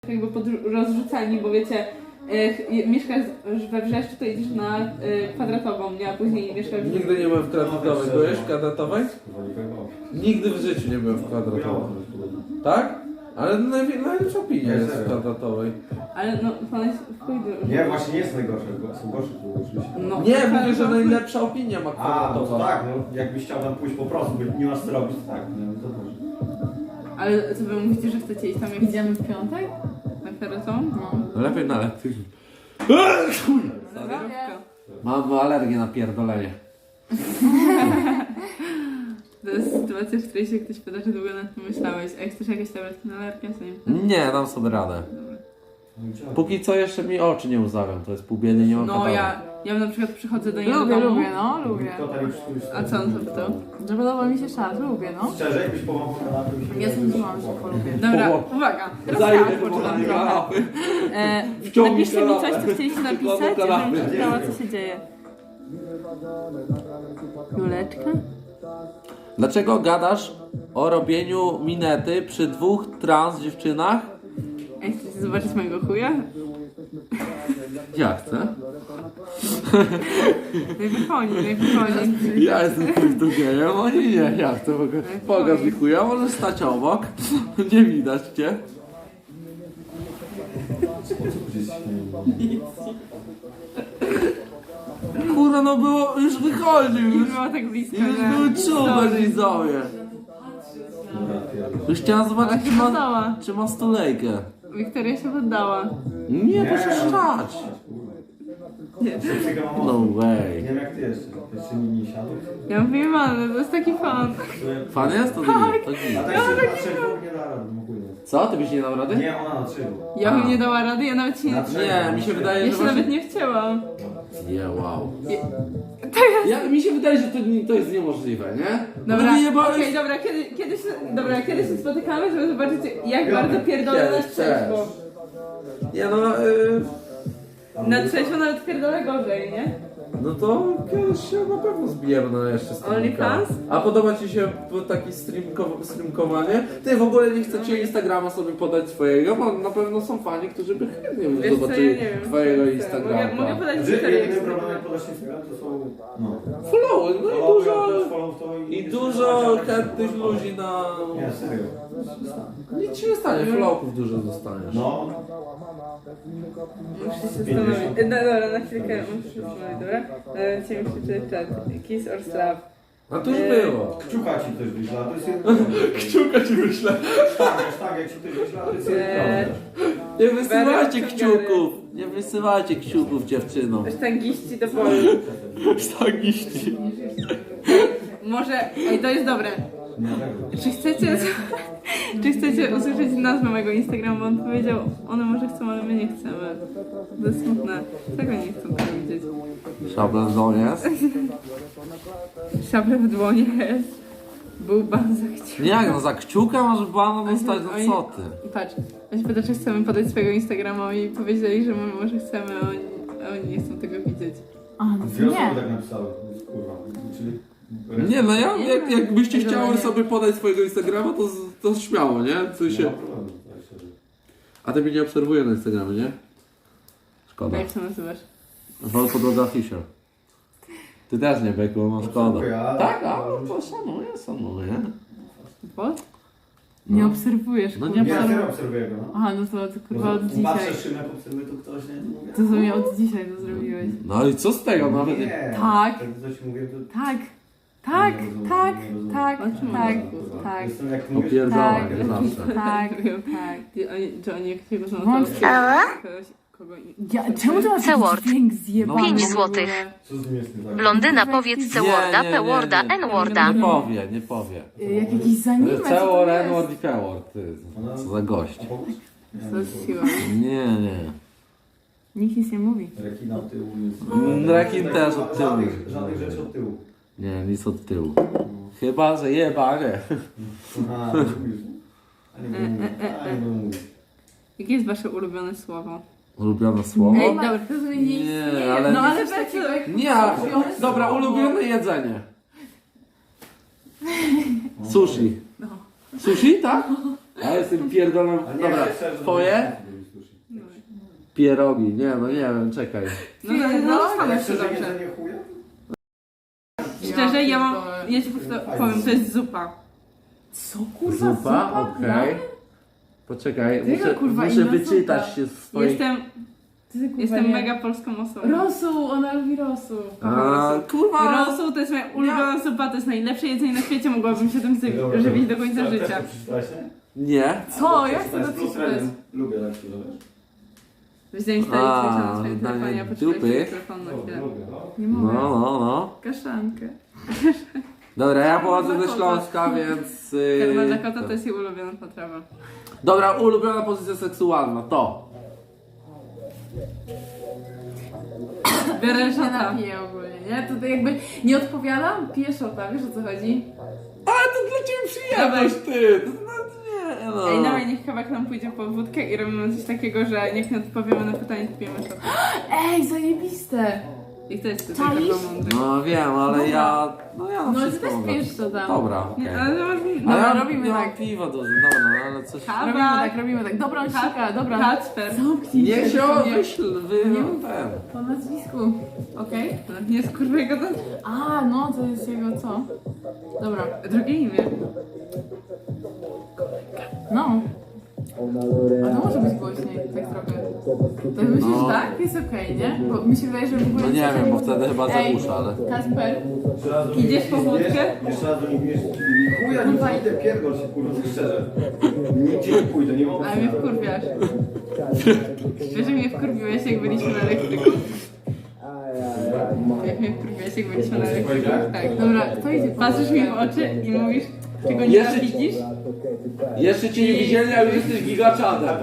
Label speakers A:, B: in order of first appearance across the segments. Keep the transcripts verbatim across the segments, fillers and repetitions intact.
A: jakby pod rozrzucani, bo wiecie, e, mieszkasz we Wrzeszczu, to idziesz na e, kwadratową, nie? A później mieszkasz...
B: Nigdy nie byłem w kwadratowej. Byłeś w kwadratowej? Nigdy w życiu nie byłem w kwadratowej. Tak? Ale najwi- najlepsza opinia jest w kwadratowej.
A: Ale no, pan jest w chuj dużo.
C: Nie, właśnie nie jest najgorsze, są gorsze tu oczywiście.
A: No,
B: Nie, mówię, że
A: kwadratowy-
B: najlepsza opinia ma
C: A, no
B: kwadratowa.
C: to tak, no jakbyś chciał tam pójść po prostu, bo nie masz co robić, to tak, no to może.
A: Ale co wy mówicie, że chcecie iść tam jak
D: Idziemy w piątek?
A: na kwadratową?
D: No.
B: Lepiej na lektyki.
A: Zdrowka.
B: Mam alergię na pierdolenie.
A: To jest sytuacja, w której się ktoś pyta, czy długo nad tym myślałeś. A jak chcesz jakieś tabletki na alergię, to nie.
B: Nie, dam sobie radę.
A: Dobra.
B: Póki co jeszcze mi oczy nie łzawią, to jest pół biedy, nie mam
A: No
B: kataru.
A: ja, ja na przykład przychodzę do niego
D: Lubię,
A: do domu.
D: lubię, no, lubię.
C: Kto tam już tu jest?
A: A co on zapytał?
D: Że podoba mi się szat, lubię, no.
C: Szczerze, jakbyś pomagał kanapę, mi się
D: Nie
C: wydaje,
D: sądziłam, że polubię.
A: Dobra,
B: Powo-
A: uwaga. Teraz
B: Za
A: ja
B: ile
A: odpoczynam
B: powołanie
A: trochę.
B: kanapy?
A: E,
B: Wciągnij
A: napiszcie mi
B: kanapę.
A: coś, co chcieliście napisać,
B: Wkładam kanapę.
A: żebym czytała, co się dzieje. Juleczka?
B: Dlaczego gadasz o robieniu minety przy dwóch trans dziewczynach?
A: Ej, chcecie zobaczyć mojego chuja?
B: Ja chcę.
A: Najwychodzi, najwychodzi.
B: Ja jestem kryptogejem, oni nie, ja chcę. Mogę. Pokaż mi chuja, możesz stać obok. Nie widać cię. Kurwa, no było, już wychodził,
A: Nie
B: już,
A: było tak blisko,
B: już
A: że...
B: były czubek
A: Sorry.
B: widzowie. Już chciałam
A: Ale
B: zobaczyć,
A: się
B: czy ma,
A: poddała.
B: czy ma stulejkę.
A: Wiktoria się poddała.
B: Nie, proszę szczać.
C: Psycha mam
B: No
C: mocno.
B: way.
C: Nie wiem jak ty jeszcze, jeszcze mi nie siadł.
A: Ja mówię, man, to jest taki fan.
B: Fan jest? To
A: Tak.
B: nie, to
C: A
B: nie.
C: tak się na trzeźwo nie da rady, no ogólnie.
B: Co? Ty byś nie dał rady?
C: Nie, ona na trzeźwo.
A: Ja
B: A.
A: bym nie dała rady, ja nawet się nie...
C: Na trzeźwo.
B: Nie, mi się wydaje,
A: Ja
B: że
A: się
B: właśnie...
A: nawet nie chciałam.
B: Nie, wow.
A: To jest...
B: Ja, mi się wydaje, że to, nie- to jest niemożliwe, nie?
A: Dobra,
B: nie
A: okej, dobra, kiedy, kiedy się, dobra, kiedy się spotykamy, żeby zobaczyć, jak bardzo pierdolę na
B: Kiedyś,
A: trzeźwo.
B: Nie no, yy,
A: Na trzeźwo nawet pierdolę gorzej, nie?
B: no to kiedyś się na pewno zbijemy na jeszcze streamka.
A: OnlyFans?
B: A podoba ci się taki streamko, streamkowanie? Ty w ogóle nie chcecie Instagrama sobie podać swojego, bo na pewno są fani, którzy by chętnie
A: Wiesz co, ja
B: zobaczyli
A: nie wiem.
B: twojego
A: Mogę,
B: Instagrama.
A: mogę podać
C: Że
A: historię.
C: jedynym problemem jak podasz Instagram to są... No.
B: Followy, no i
C: Follow,
B: dużo,
C: follow to
B: i dużo chętnych ludzi na...
C: Nie, serio.
B: Nic ci nie stanie, followków dużo dostaniesz.
C: No.
A: Muszę się zastanowić. E, No dobra, na chwilkę muszę się zastanowić, dobra? E, Chciałem przeczytać czat. Kiss or slap.
B: A to już
A: Eee.
B: było.
C: Kciuka ci ktoś wyśla, to jest jeden
B: Kciuka ci wyślę.
C: Sztangę, sztangę ci ktoś wyśla, to jest jeden
A: Eee.
C: problem.
B: Nie wysyłajcie
A: Bery,
B: kciuków. Nie wysyłajcie kciuków dziewczynom.
A: Sztangiści do bolu.
B: Sztagiści.
A: Może, ej, to jest dobre.
C: Nie, tak.
A: Czy chcecie, czy chcecie usłyszeć nazwę mojego Instagrama? On powiedział, one może chcą, ale my nie chcemy. To jest smutne. Czego nie chcą tego widzieć?
B: Szabla w domu jest?
A: Szablę w dłonie jest. Był ban za kciuk.
B: Nie, jak no za kciuka masz bana dostać,
A: Oni-
B: no co ty?
A: Patrz, ja się pyta, czy chcemy podać swojego Instagrama i powiedzieli, że my może chcemy, a oni, a oni nie chcą tego widzieć.
D: A, no
C: Dwie
D: to
C: osoby
D: nie.
C: tak napisały, kurwa. Czyli...
B: Nie no, ja, jak, jakbyście
A: Dobra,
B: chciały
A: nie.
B: sobie podać swojego Instagrama, to, z- to śmiało, nie? W
C: Nie
B: sensie...
C: ma problemu, tak szczerze.
B: A ty mnie nie obserwuje na Instagramie, nie? Szkoda.
A: Jak się nazywasz?
B: Wol podłoga Fisher. Ty też nie, Beku, no szkoda.
C: Obserwuję, ale-
B: Tak, a to szanuję, szanuję.
A: Bo? Nie
B: No.
A: obserwujesz,
B: No nie
A: kurwa.
C: Nie, ja
B: obserwuję.
C: serio obserwuję go, no.
A: Aha, no to, to kurwa od dzisiaj.
C: Patrzę szymek, obserwuję to ktoś, nie? Mówię,
A: To sobie od dzisiaj to zrobiłeś.
B: No i co z tego nawet? Nie.
C: Nie.
D: Tak.
C: Tak coś mówię, to...
D: Tak, tak,
C: Nie rozumiem,
D: tak,
C: nie rozumiem.
D: tak,
A: O czym
D: tak,
C: Kurwa,
D: tak,
C: Jestem jak ty mówisz,
B: Opierdolę,
D: Tak.
B: jak zawsze.
D: tak,
A: Nie wiem.
D: tak.
A: Ty, oni, czy oni jak się go znają,
D: Wątpię.
A: to kogoś, kogo nie...
D: Ja, czemu to masz
E: C-word.
D: taki dźwięk zjebany?
E: Pięć
D: w ogóle?
E: złotych.
C: co z nim jest nie tak?
E: Blondyna powiedz C-worda, P-worda, N-worda.
B: Nie powie, nie powie.
D: Y, Jak jakiś zanimę, co to
B: Całor,
D: jest?
B: N-word i P-word, ty. Co za gość.
C: A pomóż?
A: To jest siła.
B: Nie, nie.
D: Nikt nic nie mówi.
C: Rekina od tyłu jest...
B: Mm, rekin też od tyłu.
C: Żadnych, żadnych rzeczy od tyłu.
B: Nie, nic od tyłu. Chyba, że jebanie.
C: Aha, mówisz. A nie będę mówić. A nie będę mówić.
A: Jakie jest wasze ulubione słowo?
B: Ulubione słowo?
A: Ej, dobra, to zmieni nie
B: Nie,
A: istnieje.
B: ale-
A: No ale
D: Coś
A: bez
D: takiego jak-
B: Nie, ale- dobra, ulubione jedzenie. Sushi. Sushi, tak? Ja jestem pierdolem.
C: A nie,
B: Dobra,
C: szczerze,
B: twoje?
C: to nie
F: Pierogi, nie no nie wiem, czekaj.
A: No, no, no, no, jeszcze
C: Szczerze,
A: dobrze.
C: jedzenie chuja?
A: Szczerze, ja mam,
D: pierdolę.
A: ja ci po prostu powiem, to jest zupa.
D: Co kurwa?
F: Zupa? Okej. Poczekaj,
D: Ty,
F: muszę,
D: kurwa,
F: muszę
D: inna
F: wyczytać
D: zupa.
F: się z swoich...
A: Jestem,
D: Ty, kurwa,
A: jestem
D: nie.
A: mega polską osobą.
D: Rosół, ona lubi rosół.
F: A, kurwa!
A: Rosół to jest moja ulubiona zupa, to jest najlepsze jedzenie na świecie, mogłabym się tym zy- żywić do końca życia.
F: Nie.
D: Co? Ja chcę do tego
C: Lubię tak się dowiesz.
A: Weź mi
F: A,
A: Twitcha na swoim
F: danie
A: telefonie, a poczekaj
F: dupy.
A: mikrofon na chwilę.
C: Lubię, no.
D: Nie
F: No,
D: mogę.
F: no, no.
D: Kaszankę.
F: Dobra, ja pochodzę ze
A: Dakota.
F: Śląska, więc...
A: Karma
F: Yy,
A: Dakota to jest jej ulubiona potrawa.
F: Dobra, ulubiona pozycja seksualna, to.
A: Biorę
D: Nie
A: szata.
D: napiję ogólnie, nie? To jakby nie odpowiadam, piję szota, wiesz o co chodzi?
F: Ale to dla ciebie przyjemność, ty! To, no, nie, no.
A: Ej, dawaj, niech kawałek nam pójdzie po wódkę i robimy coś takiego, że niech nie odpowiemy na pytanie, to pijemy szata.
D: Ej, zajebiste!
A: I to jest tutaj
D: Czaisz?
A: chyba mądry.
F: No wiem, ale ja... No ja na
D: No ty
F: wszystko
D: też
F: mogę.
D: pijesz szota.
F: Dobra, okej.
A: Nie, ale masz...
F: A ja
D: Dobra, robimy
F: ja mam
D: tak.
F: piwo dużo, dobra, no ale coś...
A: Kawa.
D: Robimy tak, robimy tak. Dobra, sika, dobra.
A: Kacper.
D: Zamknij
F: Niech się
D: nie-
F: wyśl, wy...
D: Nie
F: no,
D: mów.
F: ten.
D: Po nazwisku. Okej?
A: Nie jest kurwa jego to...
D: A, no to jest jego co? Dobra.
A: Drugie imię.
D: No. A to może być głośniej, tak trochę. To myślisz,
F: No.
D: tak? Jest okej, nie? Bo mi się wydaje, że w ogóle...
F: No nie
D: jest
F: wiem,
D: okej.
F: bo wtedy chyba
D: Ej,
F: zagłusza, ale...
D: Kasper,
C: Jeszcze raz do
A: Idziesz
C: nich
A: po wódkę?
C: bierz, Jeszcze raz do nich bierz. Chuja, nie pójdę, pierdol się, kurwa, szczerze. Nigdzie nie pójdę, nie mogę.
A: Ale mnie wkurwiasz. Wiesz, że mnie wkurwiłeś, jak byliśmy na elektryku? Jak mnie wkurwiłeś, jak byliśmy na elektryku? Tak.
D: dobra, kto idzie po
A: Patrzysz mi w oczy i mówisz, czego nie
F: Jeszcze-
A: widzisz?
F: Jeszcze cię nie widzieli, a już jesteś gigaczadem.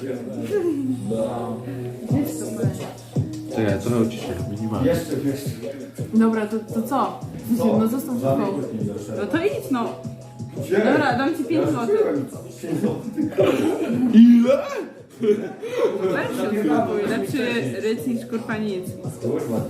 F: Czekaj, trochę uciszę, minimalnie.
C: Jeszcze, jeszcze.
D: Dobra, to, to co? No zostaw w
C: Żadnej
D: pokoju.
C: kłótni nie doszedłem.
A: No to idź no.
C: Gdzie?
A: Dobra, dam ci pięć
C: Ja
A: złotych.
C: kupiłem pięć złotych.
F: Ile?
A: Lepszy spróbuj, lepszy ryc niż kurwa nic.
C: Kurwa.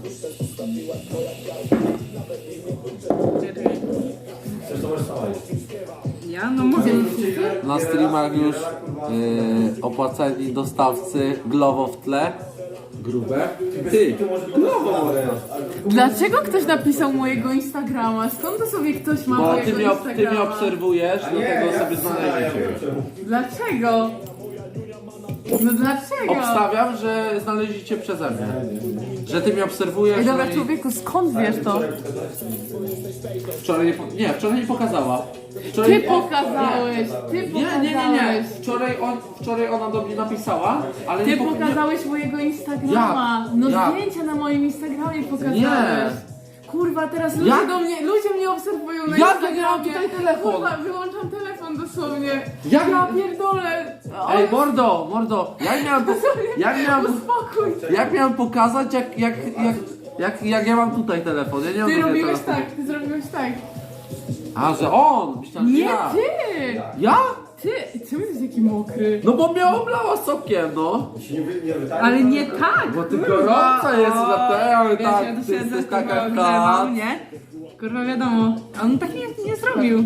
C: Chcesz to możesz sama jeść.
A: Ja? No mogę.
F: Na streamach już yy, opłaceni dostawcy, Glovo w tle. Grube. Ty,
C: Ty może Glowo może.
D: Dlaczego ktoś napisał mojego Instagrama? Skąd to sobie ktoś ma
F: bo
D: mojego
F: ty mnie, ob- ty mnie
D: Instagrama?
F: obserwujesz,
C: A nie,
F: dlatego
C: ja
F: sobie
C: ja
F: znaleźliście.
C: wiem czemu.
D: Dlaczego? No dlaczego?
F: Obstawiam, że znaleźliście przeze mnie. Że ty mnie obserwujesz.
D: Ej, dobra,
F: no i
D: człowieku, skąd wiesz to?
F: wczoraj nie, po- nie, wczoraj nie pokazała. Wczoraj,
D: Ty pokazałeś, ty
F: Nie, nie, nie, nie.
D: pokazałeś.
F: Wczoraj, on, wczoraj ona do mnie napisała, ale
D: Ty
F: nie poka-
D: pokazałeś mojego Instagrama.
F: Jak?
D: No
F: Jak?
D: zdjęcia na moim Instagramie pokazałeś.
F: Nie.
D: Kurwa, teraz ludzie
F: Jak?
D: do mnie, ludzie mnie obserwują na
F: Jak?
D: Instagramie.
F: Ja mam tutaj telefon.
D: Kurwa, wyłączam telefon dosłownie.
F: Jak?
D: Ja pierdolę. O,
F: Ej, mordo, mordo, jak miałem, po- jak miałem,
D: uspokój.
F: jak miałem pokazać, jak, jak, jak, jak, jak ja mam tutaj telefon? Ja nie mam
D: Ty
F: tutaj
D: robiłeś
F: telefonu.
D: tak, ty zrobiłeś tak.
F: A, że on! Myślałem, że
D: Nie
F: ja.
D: ty!
F: Ja?
D: Ty, czemu jesteś taki mokry?
F: No bo mnie oblała sokiem, no.
C: Się nie wy- nie wydaje.
A: Ale nie tak!
F: Bo ty gorąca jest, dlatego
A: Wiesz,
F: tak,
A: ja tu
F: ty
A: siedzę,
F: jesteś
A: kurwa,
F: taka
A: ogrzewam,
F: kat.
A: nie? Kurwa wiadomo, a on tak nie, nie zrobił.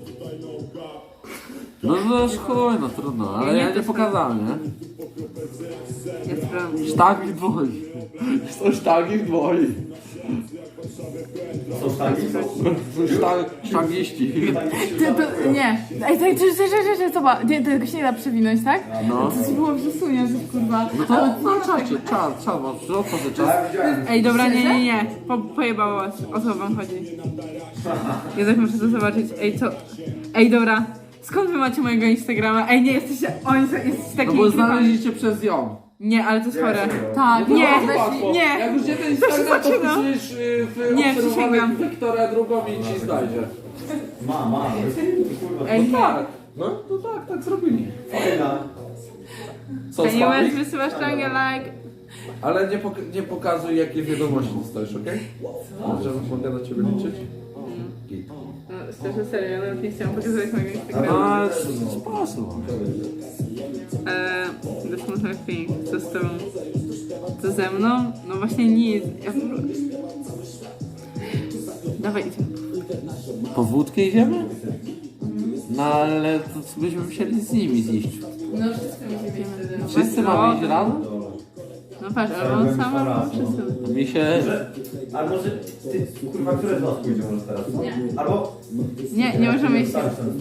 F: No to już chuj, no trudno, ale
A: Nie,
F: ja
A: to
F: nie
A: jest-
F: pokazałem, nie?
A: Jest prawda.
F: Sztagi w dłoni. Są sztagi w dłoni.
C: Są sztagi?
F: Sztag, sztagiści.
D: Ty, to, nie. Ej, tak, czy, czy, czy, czy, zobacz, nie, tego się nie da przewinąć, tak?
F: No.
D: To ci było przesunięć, kurwa.
F: No to no, czacie, czas, czas, masz, otworzę czas.
C: Ja widziałem.
A: Ej, dobra, nie, nie, nie. Po, pojebało was. O co wam chodzi? Ja tak muszę to zobaczyć. Ej, co? Ej, dobra. Skąd wy macie mojego Instagrama? Ej, nie, jesteście... Oni są, jesteście
F: No
A: takimi
F: bo
A: typami.
F: znaleźliście przez ją.
A: Nie, ale to jest chore.
D: Tak,
A: Nie,
F: No, łatwo.
A: nie.
F: Jak już nie ten
A: To się
F: Instagram, to
A: zaczyna.
F: wpisujesz y, w
A: Nie,
F: obserwowanych
A: przysięgam.
F: Wiktora drugą i ci znajdzie.
C: Ma, ma. Kurwa.
A: Ej, nie.
F: Tak, no, no tak, tak zrobili.
C: Fajna.
F: Co,
A: Ej, nie
F: słabi?
A: możesz wysyłać sztangę like.
B: Ale nie, pok- nie pokazuj jakie wiadomości dostajesz, okej? Okay? Że mogę na ciebie liczyć? Git.
A: No, szczerze, serio, ja nawet nie chciałam pokazywać mojego Instagrama.
F: No, ale sposób.
A: Eee, this was my thing. Co z tobą? Co ze mną? No właśnie nic. Ja... Dawaj, idziemy.
F: Po wódkę idziemy? No ale to byśmy musieli z nimi zjeść.
D: No wszyscy musimy iść wtedy.
F: Wszyscy mamy iść razem?
A: No patrz, albo on sam, albo on wszyscy.
F: Mi się...
C: Może, a może ty, kurwa, które z was pójdzie może teraz?
A: Nie.
C: Albo...
A: Nie, nie możemy iść.